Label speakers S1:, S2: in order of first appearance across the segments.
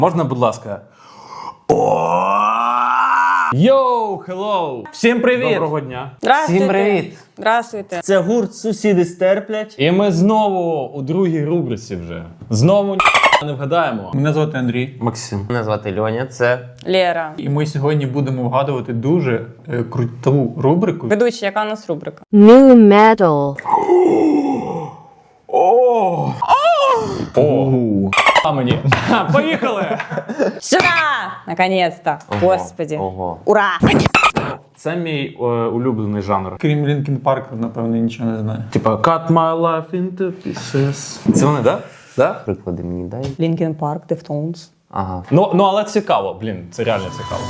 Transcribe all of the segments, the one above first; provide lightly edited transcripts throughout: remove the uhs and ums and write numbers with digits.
S1: Можна, будь ласка? Йоу, хеллоу! Всім привіт! Доброго дня!
S2: Здравствуйте.
S3: Всім привіт!
S2: Здравствуйте.
S3: Це гурт «Сусіди стерплять».
S1: І ми знову у другій рубриці вже. Знову не вгадаємо.
S4: Мене звати Андрій.
S1: Максим.
S3: Мене звати Льоня, це...
S2: Лера.
S4: І ми сьогодні будемо вгадувати дуже круту рубрику.
S2: Ведучий, яка у нас рубрика?
S5: New metal.
S1: О! А мені. Поїхали!
S2: Сюда! Наконец-то! Господи!
S3: Ого.
S2: Ура!
S1: Це мій улюблений жанр.
S4: Крім Лінкін Парк, напевно, нічого не знаю.
S1: Типа Cut my life into pieces. Це вони, да? Да?
S3: Приклади мені дай.
S2: Linkin Park, Deftones.
S3: Ага.
S1: Ну, але цікаво, блін, це реально цікаво.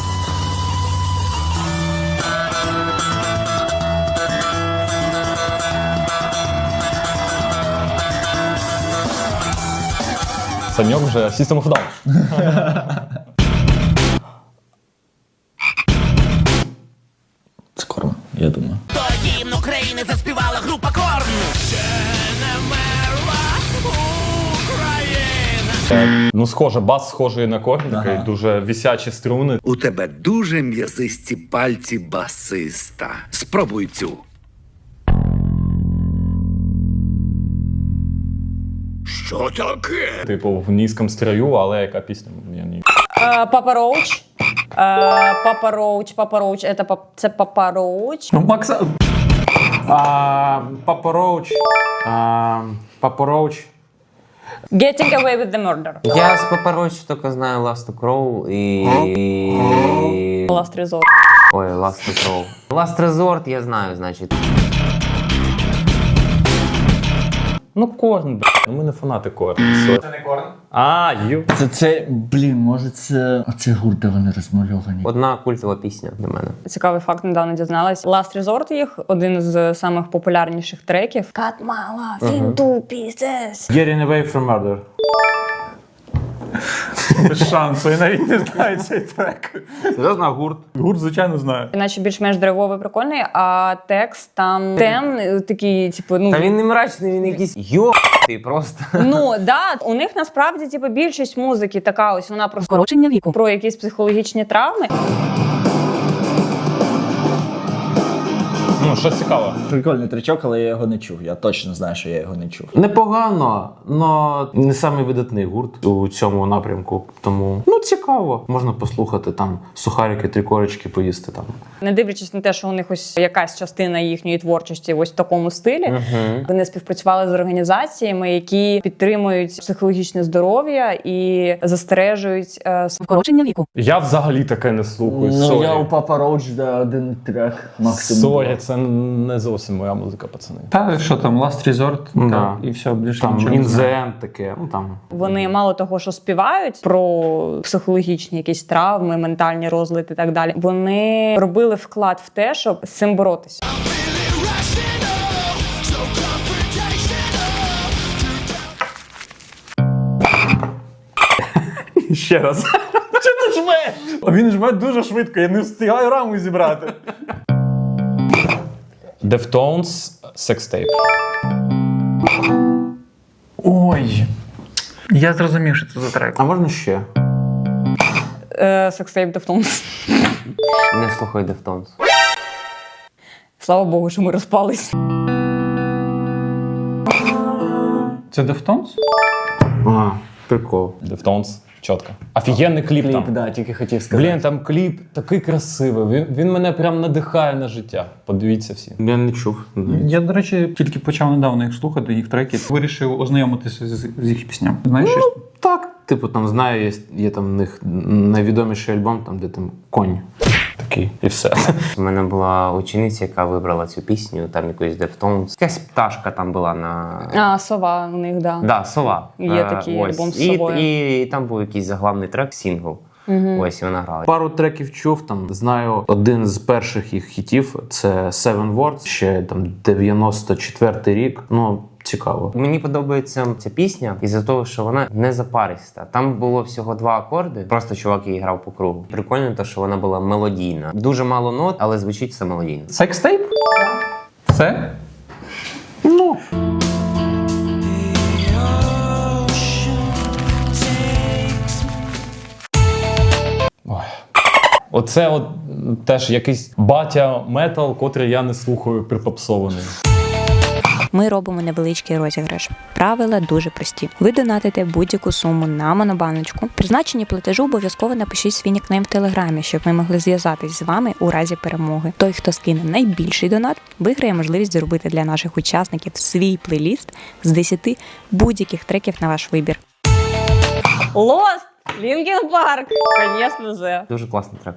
S1: Саньок вже System of a Down.
S4: Це Корн, я думаю.
S6: Гімн України заспівала група Корн. Ще не вмерла Україна.
S1: Ну, схоже, бас схожий на корн, такий дуже висячі струни.
S7: У тебе дуже м'язисті пальці басиста. Спробуй цю. Що таке?
S1: Типу, в низькому строю, але яка пісня? Я не...
S2: Папа Роуч. Папа Роуч, Папа Роуч. Це Папа Роуч.
S4: Ну, Макса...
S1: Папа Роуч. Папа Роуч.
S2: Getting Away with the Murder.
S3: Я з Папорочі тільки знаю Last to Crow і...
S2: Last Resort.
S3: Ой, Last to Crow. Last Resort я знаю, значить.
S1: Ну, корн, б***. Ну, ми не фанати корн. Це не корн?
S8: Блін, може це оце гурт, де вони розмальовані.
S3: Одна культова пісня для мене.
S2: Цікавий факт, недавно дізналась. Last Resort їх один з самих популярніших треків. Cut my love into pieces.
S1: Getting Away from Murder.
S4: Без шансу, я навіть не знаю цей трек.
S1: Серйозно, гурт?
S4: Гурт, звичайно, знаю.
S2: Іначе більш-менш драйвовий, прикольний, а текст там темний, такий, типу, ну...
S3: Та він не мрачний, він якийсь йо***ий просто.
S2: Ну, да, у них насправді, типу, більшість музики така ось, вона про
S5: Скорочення віку.
S2: про якісь психологічні травми.
S1: Ну, що цікаво.
S8: Прикольний тречок, але я його не чув. Я точно знаю, що я його не чув.
S1: Непогано, але не самий видатний гурт у цьому напрямку. Тому, ну, цікаво. Можна послухати там сухарики, три корочки поїсти там.
S2: Не дивлячись на те, що у них ось якась частина їхньої творчості ось в такому стилі, вони співпрацювали з організаціями, які підтримують психологічне здоров'я і застережують
S5: Скорочення віку.
S1: Я взагалі таке не слухаю.
S8: Ну,
S1: Сорі.
S8: я у Папа Роуч один трек максимум.
S1: Сорі, це не зовсім моя музика, пацани.
S4: Та що там, Last Resort,
S1: Да.
S4: і все, більше
S1: Там
S4: нічого не знаю.
S1: інзен таке, ну там.
S2: Вони мало того, що співають про психологічні якісь травми, ментальні розлади і так далі. Вони робили вклад в те, щоб з цим боротися.
S1: Ще раз.
S4: А він жме дуже швидко, я не встигаю раму зібрати.
S1: Deftones, Sextape.
S4: Ой. Я зрозумів, що це за трек.
S1: А можна ще?
S2: Sextape Deftones.
S3: Не слухай Deftones.
S2: Слава Богу, що ми розпались.
S4: Це Deftones?
S1: А, прикол. Deftones, чітко. Офігенний кліп там.
S8: Да, тільки хотів сказати.
S1: Блін, там кліп такий красивий. Він мене прям надихає на життя. Подивіться всі. Я не чув.
S4: Я, до речі, тільки почав недавно їх слухати, їх треки. Вирішив ознайомитися з їх піснями. Знаєш щось?
S1: Так. Типу, там знаю, є там в них найвідоміший альбом, там, де там конь. Такий, і все.
S3: У мене була учениця, яка вибрала цю пісню, там якоїсь Deftones. Якась пташка там була на...
S2: Сова у них, да.
S3: Да, сова.
S2: Є такий
S3: Ось.
S2: альбом з совою.
S3: І там був якийсь заглавний трек, сингл. Ось і вона грала.
S1: Пару треків чув, там, знаю, один з перших їх хітів, це Seven Words, ще там 94-й рік. Ну, цікаво.
S3: Мені подобається ця пісня із-за того, що вона не запариста. Там було всього 2 акорди, просто чувак її грав по кругу. Прикольно те, що вона була мелодійна. Дуже мало нот, але звучить все мелодійно.
S4: Секстейп? Все?
S1: Ну.
S9: Оце от теж якийсь батя метал, котрий я не слухаю припопсований.
S10: Ми робимо невеличкий розіграш. Правила дуже прості. Ви донатите будь-яку суму на монобаночку. Призначення платежу обов'язково напишіть свій нікнейм в Телеграмі, щоб ми могли зв'язатись з вами у разі перемоги. Той, хто скине найбільший донат, виграє можливість зробити для наших учасників свій плейліст з 10 будь-яких треків на ваш вибір.
S2: Lost! Linkin Park! Конечно же.
S3: Дуже класний трек.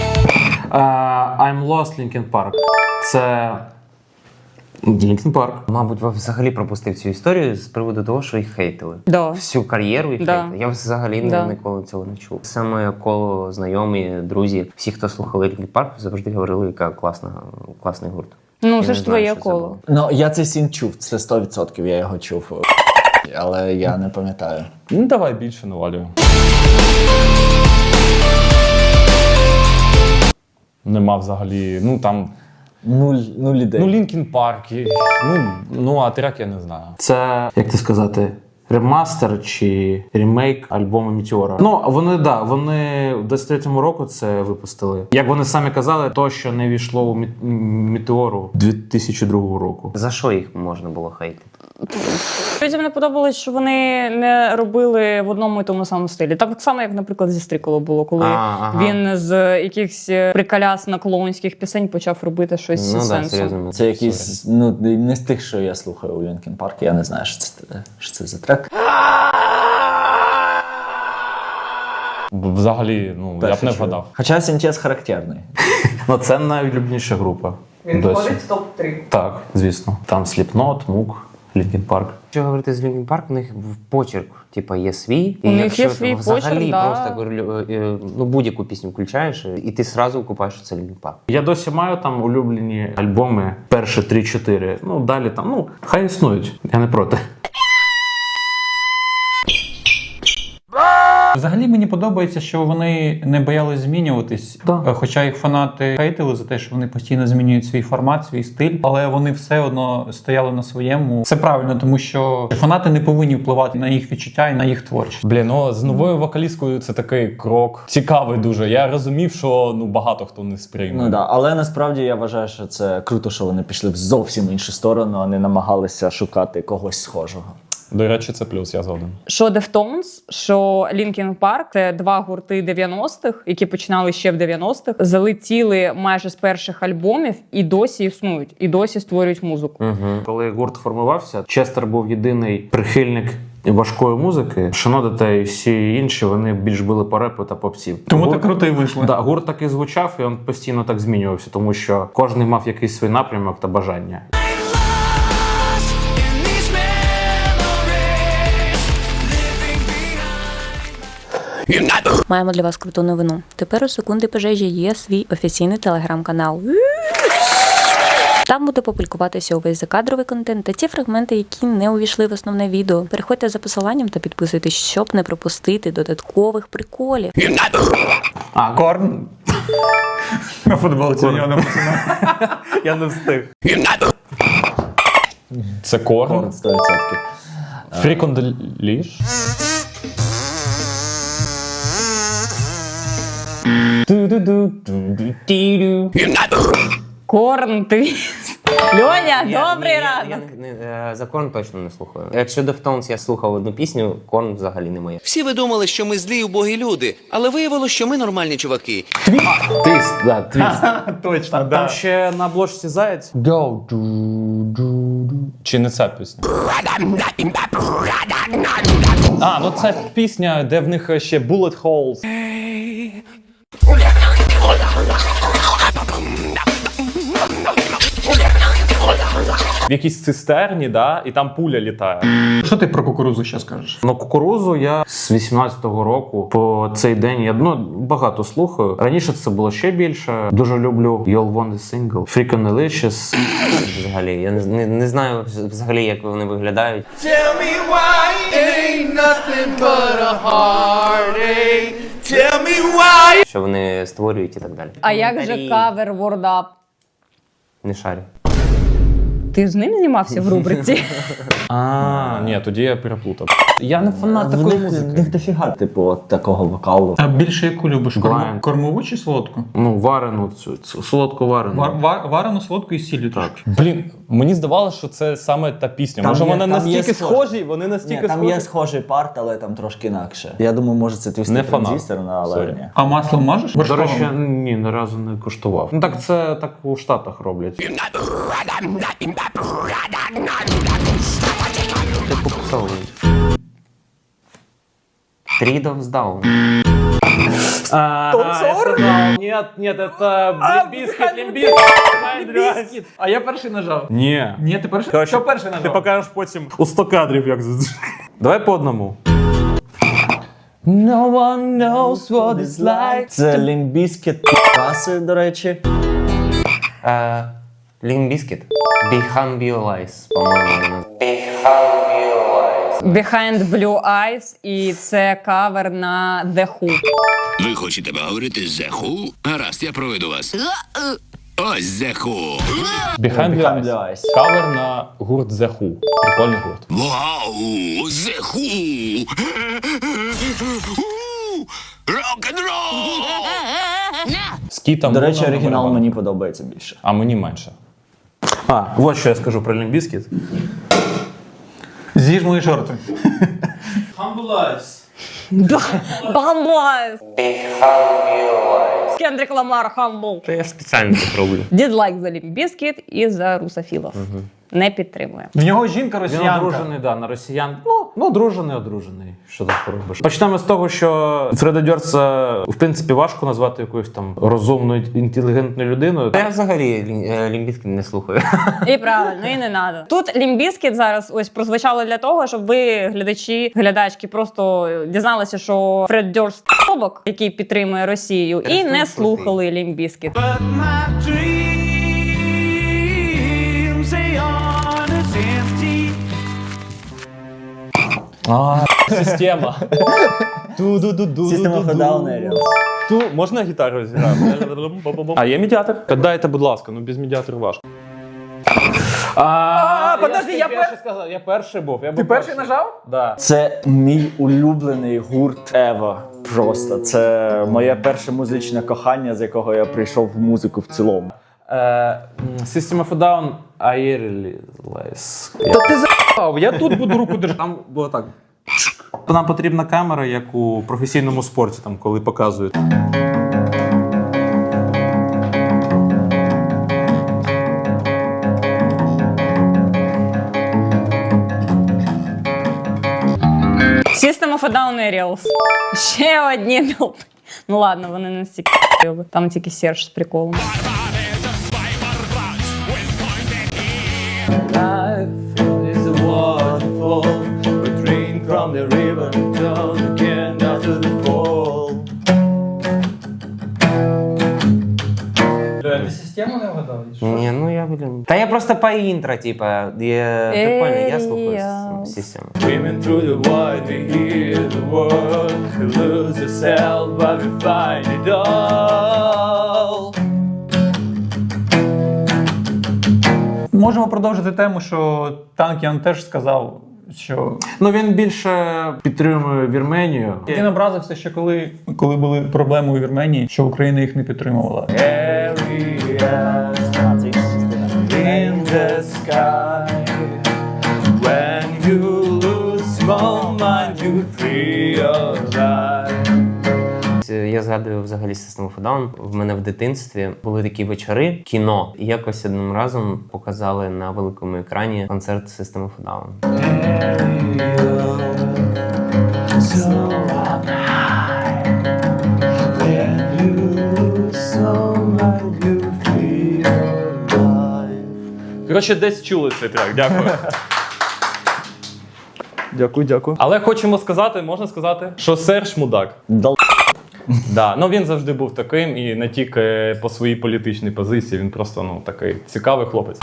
S1: I'm Lost, Linkin Park. Це Linkin Park.
S3: Мабуть, взагалі пропустив цю історію з приводу того, що їх хейтили.
S2: Да.
S3: Всю кар'єру їх
S2: Да.
S3: хейтили. Я взагалі
S2: Да.
S3: ніколи цього не чув. Саме коло знайомі, друзі, всі, хто слухали Linkin Park, завжди говорили, яка класний гурт.
S2: Ну,
S3: Я
S2: це
S3: не
S2: ж
S3: знаю,
S2: твоє
S3: що це
S2: коло.
S3: було.
S8: Ну, я цей сін чув, це 100% я його чув. Але я не пам'ятаю.
S9: Ну давай більше навалюю. Нема взагалі, ну там,
S8: Нуль ідей.
S9: ну Лінкін Парк, ну а трек я не знаю.
S1: Це, як ти сказати, ремастер чи ремейк альбому Мітеора. Ну, вони в 23-му року це випустили. Як вони самі казали, то, що не війшло у Мітеору 2002 року.
S3: За що їх можна було хейтити?
S2: Людям не подобалось, що вони не робили в одному і тому самому стилі. Так само, як, наприклад, зі Стріколо було, коли він з якихось приколясно-клоунських пісень почав робити щось з
S3: Ну так,
S2: сенсом.
S3: серйозно.
S8: Це якийсь, ну, не з тих, що я слухаю у Linkin Park, я не знаю, що це за трек.
S9: Взагалі, ну, я б не вгадав.
S8: Хоча синтез характерний.
S1: Ну, це найулюбленіша група.
S2: Він
S1: досі.
S2: входить в топ-3.
S1: Так, звісно. Там Slipknot, Moog, Linkin Park.
S3: Якщо говорити з Linkin Park, у них в почерк, типа, є свій.
S2: У
S3: І
S2: них
S3: якщо
S2: є свій
S3: взагалі
S2: почерк, да.
S3: просто ну, будь-яку пісню включаєш, і ти зразу купаєш, що це Linkin Park.
S1: Я досі маю там улюблені альбоми, перші 3-4. Ну, далі там, ну, хай існують. Я не проти.
S4: Взагалі мені подобається, що вони не боялись змінюватись,
S1: Да.
S4: хоча їх фанати хейтили за те, що вони постійно змінюють свій формат, свій стиль, але вони все одно стояли на своєму. Це правильно, тому що фанати не повинні впливати на їх відчуття і на їх творчість.
S9: Блін, ну з новою вокалісткою це такий крок. Цікавий дуже. Я розумів, що ну багато хто не сприйме.
S8: Ну да, але насправді я вважаю, що це круто, що вони пішли в зовсім іншу сторону, а не намагалися шукати когось схожого.
S9: До речі, це плюс, я згоден.
S2: Що Deftones, що Linkin Park – це два гурти 90-х, які починали ще в 90-х, залетіли майже з перших альбомів і досі існують, і досі створюють музику.
S1: Коли гурт формувався, Честер був єдиний прихильник важкої музики. Шанода та й всі інші, вони більш били по репу та попсів.
S4: Тому так круто і вийшло.
S1: Да, гурт так і звучав, і він постійно так змінювався, тому що кожен мав якийсь свій напрямок та бажання.
S10: Маємо для вас круту новину. Тепер у секунди пожежі є свій офіційний телеграм-канал. Там буде публікуватися увесь закадровий контент та ті фрагменти, які не увійшли в основне відео. Переходьте за посиланням та підписуйтесь, щоб не пропустити додаткових приколів.
S4: Корн. На футболці його написано.
S1: Я не встиг.
S9: Це Корн.
S8: Корн 100%.
S9: Freak on the Leash.
S2: Корн твіст. Льоня, добрий ранок.
S3: Я за Корн точно не слухаю. Якщо Deftones я слухав одну пісню, Корн взагалі не моє.
S6: Всі ви думали, що ми злі убогі люди, але виявилося, що ми нормальні чуваки.
S1: Твіст, да, твіст.
S4: Точно,
S1: Там
S4: да.
S1: ще на обложці заяць.
S9: Go. Чи не ця пісня? А, ну це пісня, де в них ще Bullet Holes. В якійсь цистерні, да, і там пуля літає.
S4: Що ти про кукурузу ще скажеш?
S1: Ну, кукурузу я з 18-го року по цей день я багато слухаю. Раніше це було ще більше. Дуже люблю You'll Want a Single, Freakin' Delicious.
S3: Взагалі, я не знаю взагалі, як вони виглядають.
S6: Tell me why ain't nothing but a heartache. Tell me why.
S3: Що вони створюють і так далі.
S2: А як же кавер Word Up?
S3: Не шарю.
S2: Ти з ним знімався в рубриці?
S9: Ні, тоді я переплутав. Я не фанат
S8: В
S9: такої
S8: них
S9: музики.
S8: дофіга, типу, от такого вокалу.
S4: А більше яку любиш?
S1: Blind.
S4: Кормову чи солодку?
S1: Ну, варену, цю солодку варену.
S4: Варену, солодку і сіллю трошки.
S9: Блін, мені здавалося, що це саме та пісня.
S8: Там
S9: Може,
S8: є-
S9: вони
S8: там є
S9: настільки
S8: схожі.
S9: схожі, вони настільки
S8: Ні, там
S9: схожі.
S8: є схожий парт, але там трошки інакше. Я думаю, може це твістер
S9: Не фанат.
S8: транзистор, але
S9: Сорі.
S8: ні.
S4: А масло можеш?
S1: До
S4: Вершковим?
S1: речі, ні, ні разу не коштував. Ну так це так у Штатах роблять.
S3: Ти попсовують. Three Dogs Down.
S1: Нет, это Лимбискит.
S4: А я перший нажав.
S1: Ні.
S4: Ні, ти перший?
S1: Короче,
S4: Хто перший нажав?
S1: Ти покажеш потім у 100 кадрів, як Давай по одному.
S8: No one knows what it's like. Це Limp Bizkit каси, до речі.
S3: Limp Bizkit. Behind Blue Eyes, по-моєму. Behind Blue Eyes.
S2: Behind Blue Eyes, і це кавер на The Who.
S7: Ви хочете поговорити з The Who? Гаразд, я проведу вас. Ось The Who.
S9: Behind
S8: Behind
S9: Blue
S8: Blue
S9: Eyes.
S8: Eyes.
S9: Кавер на гурт The Who. Прикольний гурт.
S7: Вау, The Who. Рок-н-рол.
S9: З Кітом
S8: До речі,
S9: Муном
S8: оригінал
S9: барабан.
S8: мені подобається більше.
S9: А мені менше.
S1: Вот що я скажу про Лімбіскіт.
S4: З'їж мої шорти.
S2: Бамблайз! Кендрік Ламар, Humble.
S3: Та я спеціально так роблю.
S2: Дізлайк за Limp Bizkit і за русофілов. Не підтримує.
S4: В нього жінка
S1: Він
S4: росіянка.
S1: одружений, да, на росіян. Ну, одружений. Що тут поробиш? Почнемо з того, що Фреда Дьорца, в принципі, важко назвати якоюсь там розумною, інтелігентною людиною.
S3: Та я взагалі Limp Bizkit не слухаю.
S2: І правильно, і не треба. Тут Limp Bizkit зараз ось прозвучало для того, щоб ви, глядачки, просто дізналися, що Фред Дьорц тобок, який підтримує Росію, і не слухали Limp Bizkit.
S6: But my dreams, they aren't as empty.
S9: Система.
S8: System of a Down Aerials.
S9: Можна гітару зіграти? А є медіатор? Дайте, будь ласка, ну без медіатору важко.
S4: подожди, я
S1: сказав, я перший був.
S4: Ти перший нажав?
S1: Да.
S8: Це мій улюблений гурт Ева. Просто це моє перше музичне кохання, з якого я прийшов в музику в цілому.
S1: System of a Down, Aerials.
S9: Та ти за***ав, я тут буду руку держати.
S1: Там було так. Нам потрібна камера, як у професійному спорті, там, коли показують.
S2: System of a Down Aerials. Ще одні мілпи. Ну ладно, вони не стільки ***йоби. Там тільки Серж з приколом.
S4: Ти систему не вгадав?
S3: Ні, ну я, блін. Та я просто по інтро, типа, є прикольно, я слухаю систему.
S6: Swimming through the void, we hear the word. We lose ourselves, but we find it all.
S4: Можемо продовжити тему, що Танкіан теж сказав, що
S1: Ну, він більше підтримує Вірменію.
S4: він образився, що коли були проблеми у Вірменії, що Україна їх не підтримувала.
S6: In the sky, when you lose small mind, you free your life.
S3: Я згадую взагалі System of a Down. В мене в дитинстві були такі вечори, кіно. І якось одним разом показали на великому екрані концерт System of a Down.
S9: Коротше, десь чули цей трек, дякую.
S8: Дякую.
S9: Але хочемо сказати, можна сказати, що Серж мудак. Да, ну він завжди був таким і не тільки по своїй політичній позиції, він просто ну такий цікавий хлопець.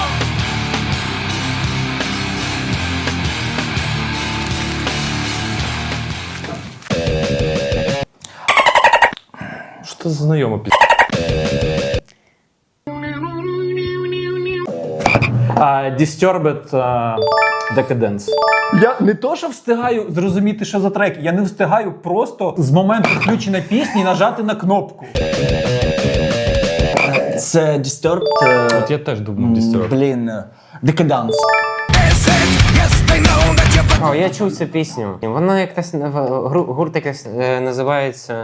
S9: Що це за знайома пісня?
S1: Disturbed Decadence.
S4: Я не то, що встигаю зрозуміти, що за трек, я не встигаю просто з моменту включення пісні нажати на кнопку.
S8: Це Disturbed.
S9: От я теж думав Disturbed.
S8: Блін, Decadence.
S3: О, я чув цю пісню. Воно якось гурт якось називається.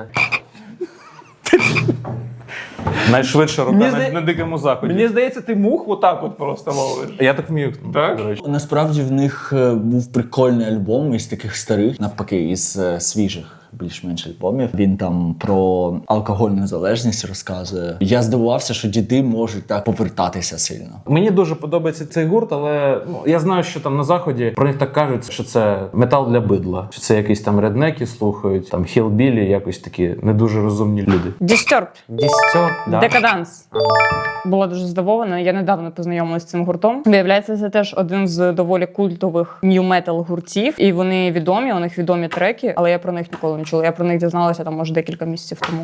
S1: Найшвидша рука
S4: Мені зда-
S1: на дикому заході.
S4: Мені здається, ти мух отак от просто ловиш.
S1: Я так вмію.
S4: Так?
S1: До речі.
S8: Насправді в них був прикольний альбом із таких старих, навпаки, із свіжих. Більш-менш альбомів. Він там про алкогольну залежність розказує. Я здивувався, що діди можуть так повертатися сильно.
S1: Мені дуже подобається цей гурт, але я знаю, що там на заході про них так кажуть, що це метал для бидла. Що це якісь там реднеки слухають, там хілбілі, якось такі не дуже розумні люди.
S2: Disturbed.
S3: Да.
S2: Decadence. Була дуже здивована. Я недавно познайомилася з цим гуртом. Виявляється, це теж один з доволі культових нью-метал гуртів. І вони відомі, у них відомі треки, але я про них ніколи не чула. Я про них дізналася там, може, декілька місяців тому.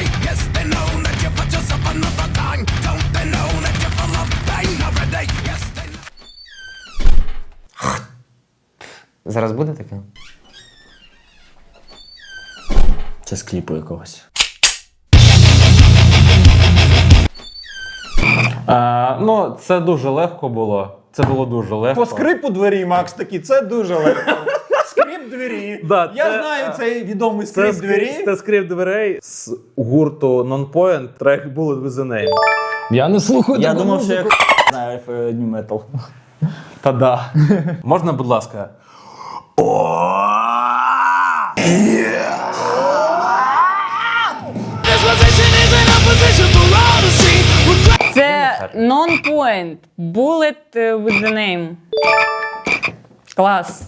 S3: Зараз буде таке?
S8: Це з кліпу якогось.
S1: Ну, це дуже легко було. Це було дуже легко.
S4: По скрипу двері, Макс, такі, це дуже легко. Скрип двері.
S1: Да,
S4: Я
S1: це-
S4: знаю цей відомий скрип двері.
S1: Це скрип дверей з гурту Non-Point, трек Bullet with the Name.
S9: Я не слухаю
S8: Я
S9: таку
S8: думав, що
S9: музику.
S8: я знаю New Metal.
S1: Та да. Можна, будь ласка?
S2: Це Non-Point. Bullet with the name. Клас.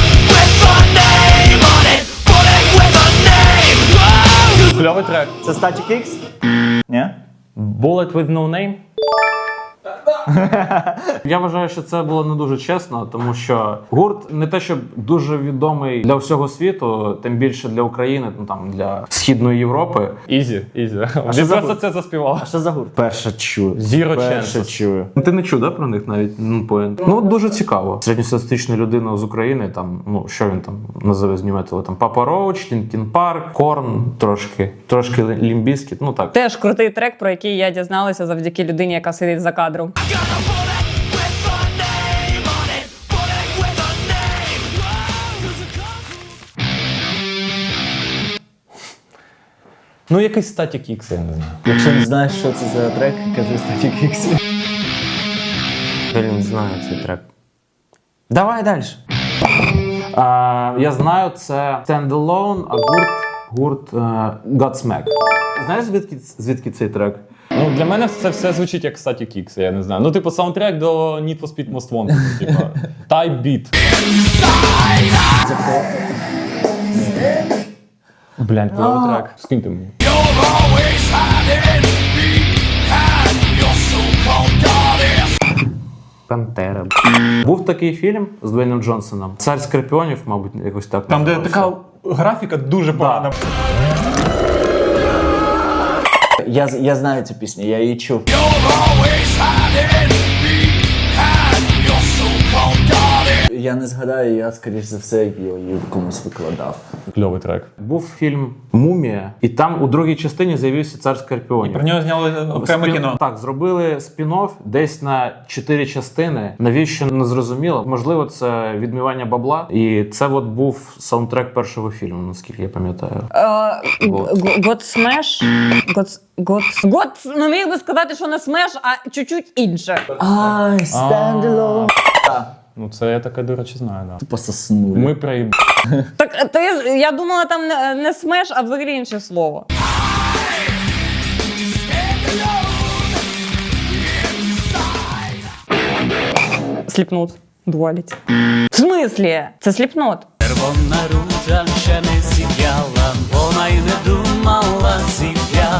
S9: Кльовий трек.
S8: Це Static X? Ні?
S9: Bullet with no name.
S1: Я вважаю, що це було не дуже чесно, тому що гурт не те, щоб дуже відомий для всього світу, тим більше для України, ну там для Східної Європи.
S9: Ізі. Він
S8: що
S9: просто
S8: за
S9: це заспівав.
S8: А що за гурт? Перше чую.
S9: Zero
S8: Перше
S9: Chances.
S8: чую.
S1: Ти не чув, да, про них навіть? Non-Point? Ну, дуже цікаво. Середньостатистична людина з України, там, ну, що він там називе з нью-металу? Там Папа Роуч, Лінкін Парк, Корн, трошки Limp Bizkit, ну так.
S2: Теж крутий трек, про який я дізналася завдяки людині, яка сидить за кадром.
S9: Ну, якийсь Static X, я не знаю.
S8: Якщо не знаєш, що це за трек, кажи Static X.
S3: Блін, знаю цей трек. Давай далі.
S1: Я знаю, це Standalone, а гурт Godsmack. Знаєш, звідки цей трек?
S9: Ну, для мене це все звучить як Static X, я не знаю. Ну, типу, саундтрек до Need for Speed Most Wanted, типу, Type Beat. Блядь, кльовий трек. Скиньте мені.
S3: Пантера.
S1: Був такий фільм з Дуейном Джонсоном. Цар Скорпіонів, мабуть, якось так.
S4: Там, де
S1: називався.
S4: така графіка дуже погана.
S8: Я знаю цю пісню, я її чув. Я не згадаю, я, скоріш за все, її комусь викладав.
S9: Кльовий трек.
S1: Був фільм «Мумія», і там у другій частині з'явився Цар Скорпіонів.
S4: Про нього зняли окреме кіно.
S1: Так, зробили спін-офф десь на 4 частини. Навіщо, не зрозуміло. Можливо, це відмивання бабла. І це от був саундтрек першого фільму, наскільки я пам'ятаю.
S2: Godsmash. Ну, міг би сказати, що не смеш, а чуть-чуть інше.
S8: I stand alone.
S9: Ну, це я таке, до речі, знаю, да.
S8: Пососнули.
S9: Ми приїб...
S2: Так, я думала, там не смеш, а взагалі інше слово. Сліпнут. Дуаліті. В смислі? Це сліпнот.
S6: Червона ружа ще не сіяла, вона й не думала зів'я.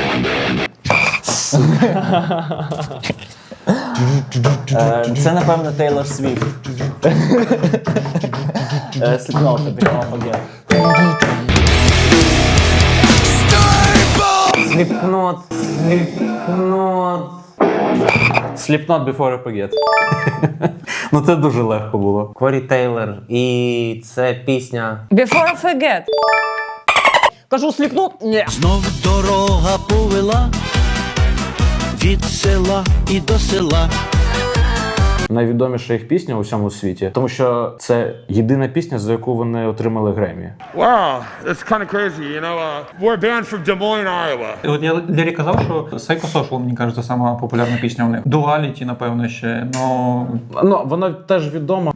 S8: Це, напевно, Тейлор Свіфт. Сліпнота, Become Again.
S3: Сліпнот.
S1: Slipknot Before I Forget. Ну це дуже легко було.
S3: Корі Тейлор. І це пісня.
S2: Before I forget. Кажу, Slipknot? Ні.
S6: Знов дорога повела від села і до села.
S1: Найвідоміша їх пісня у всьому світі, тому що це єдина пісня, за яку вони отримали Греммі.
S11: Wow, that's kind of crazy, you know. We're a band from Des Moines, Iowa.
S4: І от я Лері казав, що Psycho Social, мені кажеться, сама популярна пісня у них. Duality, напевно, ще.
S1: Ну, вона теж відома.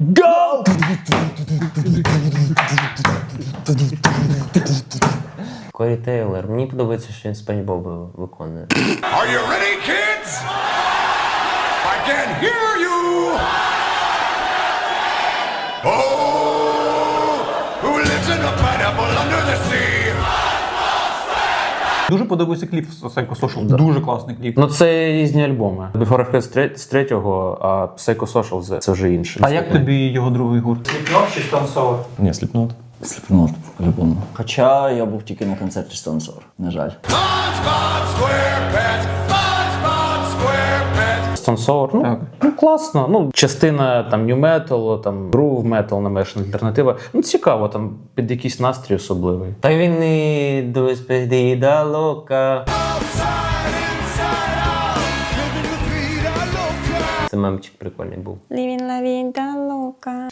S3: Корі Тейлор. Мені подобається, що він Спанч Боба виконує.
S7: Are you ready, kids? I can hear you! Oh, who lives in a pineapple under the sea?
S4: Дуже подобається кліп з Psycho Social. Дуже класний кліп.
S1: Ну це різні альбоми. Before I Forget з третього, а Psycho Social це вже інше.
S4: А як тобі його другий гурт? Slipknot чи Stone Sour?
S9: Ні, Slipknot.
S8: Slipknot, по-любому. Хоча я був тільки на концерті Stone Sour, на жаль.
S7: SpongeBob SquarePants, SpongeBob SquarePants.
S1: Stone Sour,
S4: Так.
S1: ну класно. Ну, частина там New Metal, там Groove Metal, намешана альтернатива. Ну цікаво, там під якийсь настрій особливий.
S3: Та він і Despedida Loca. Це мемчик прикольний був.
S2: Living la vida loca.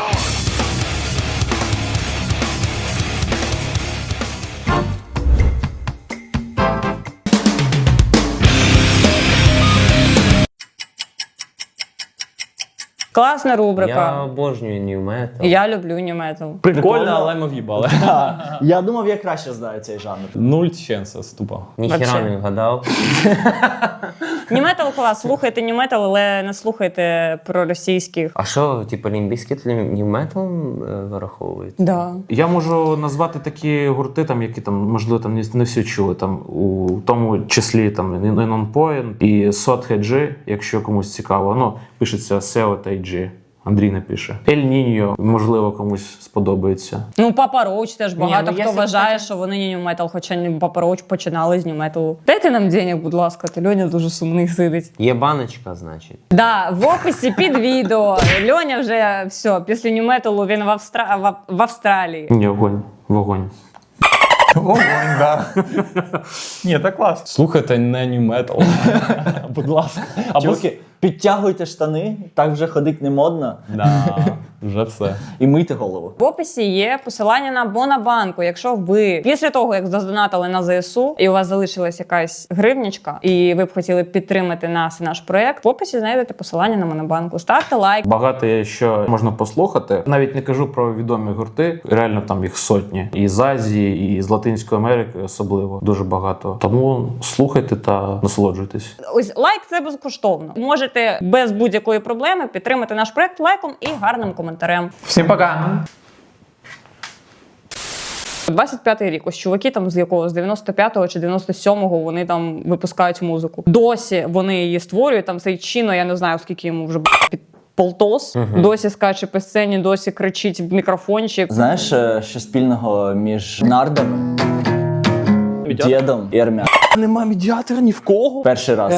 S2: Класна
S3: Я
S2: рубрика.
S3: обожнюю New Metal.
S2: Я люблю New Metal.
S9: Прикольно, але ми в'їбали.
S8: Я думав, я краще знаю цей жанр.
S9: Нуль ченса, ступа.
S3: Ніхіра
S2: Вообще.
S3: не вгадав.
S2: New Metal клас, слухайте New Metal, але не слухайте про російських.
S3: А що, типу, Limp Bizkit New Metal вираховується?
S2: Да.
S1: Я можу назвати такі гурти, там, які там, можливо, там не всі чули. Там, у тому числі там Non Point і Sot G, якщо комусь цікаво. Ну, пишеться SEO та IG. Андрій напише. El Niño, можливо, комусь сподобається.
S2: Ну, Папа Роуч теж багато
S3: ну, я
S2: хто
S3: собі
S2: вважає, що вони не New Metal, хоча Папа Роуч починали з New Metal. Дайте нам денег, будь ласка, ти Льоня дуже сумний сидить.
S3: Є баночка, значить.
S2: Да, в описі під відео. Льоня вже все, після New Metal він в Австралії.
S1: Ні, вогонь.
S4: Огонь, да. Ні, так класно.
S9: Слухайте не New Metal. Будь ласка. Або
S8: Чуваки, підтягуйте штани, так вже ходить не модно.
S9: Да, вже все.
S8: І мийте голову.
S2: В описі є посилання на Монобанку. Якщо ви після того, як задонатили на ЗСУ, і у вас залишилась якась гривнячка, і ви б хотіли підтримати нас і наш проект, в описі знайдете посилання на Монобанку. Ставте лайк.
S1: Багато є, що можна послухати. Навіть не кажу про відомі гурти. Реально там їх сотні. І з Азії, і з Латинської Америки особливо. Дуже багато. Тому слухайте та насолоджуйтесь.
S2: Ось лайк це безкоштовно. Можете без будь-якої проблеми підтримати наш проект лайком і гарним коментарем.
S4: Всім пока.
S2: 25-й рік, ось чуваки там з якого, з 95-го чи 97-го вони там випускають музику. Досі вони її створюють, там цей Чіно, я не знаю, скільки йому вже під полтос, досі скаче по сцені, досі кричить в мікрофончик.
S8: Знаєш, що спільного між нардами, дідом і армяною?
S9: Нема медіатора ні в кого.
S8: Перший раз.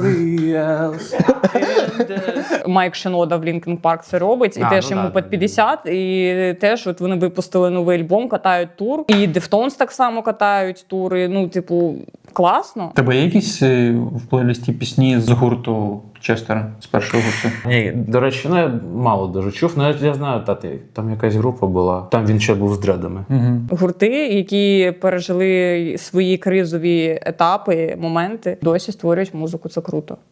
S2: Майк Шинода в Лінкін Парк це робить, і теж йому під 50, і теж от вони випустили новий альбом, катають тур, і Deftones так само катають тури, ну, типу, класно.
S4: У тебе є якісь в плейлисті пісні з гурту Честера, з першого гурту?
S1: Ні, до речі, ну я мало дуже чув, але я знаю, там якась група була, там він ще був з дредами.
S2: Гурти, які пережили свої кризові етапи, моменти, досі створюють музику, це круто.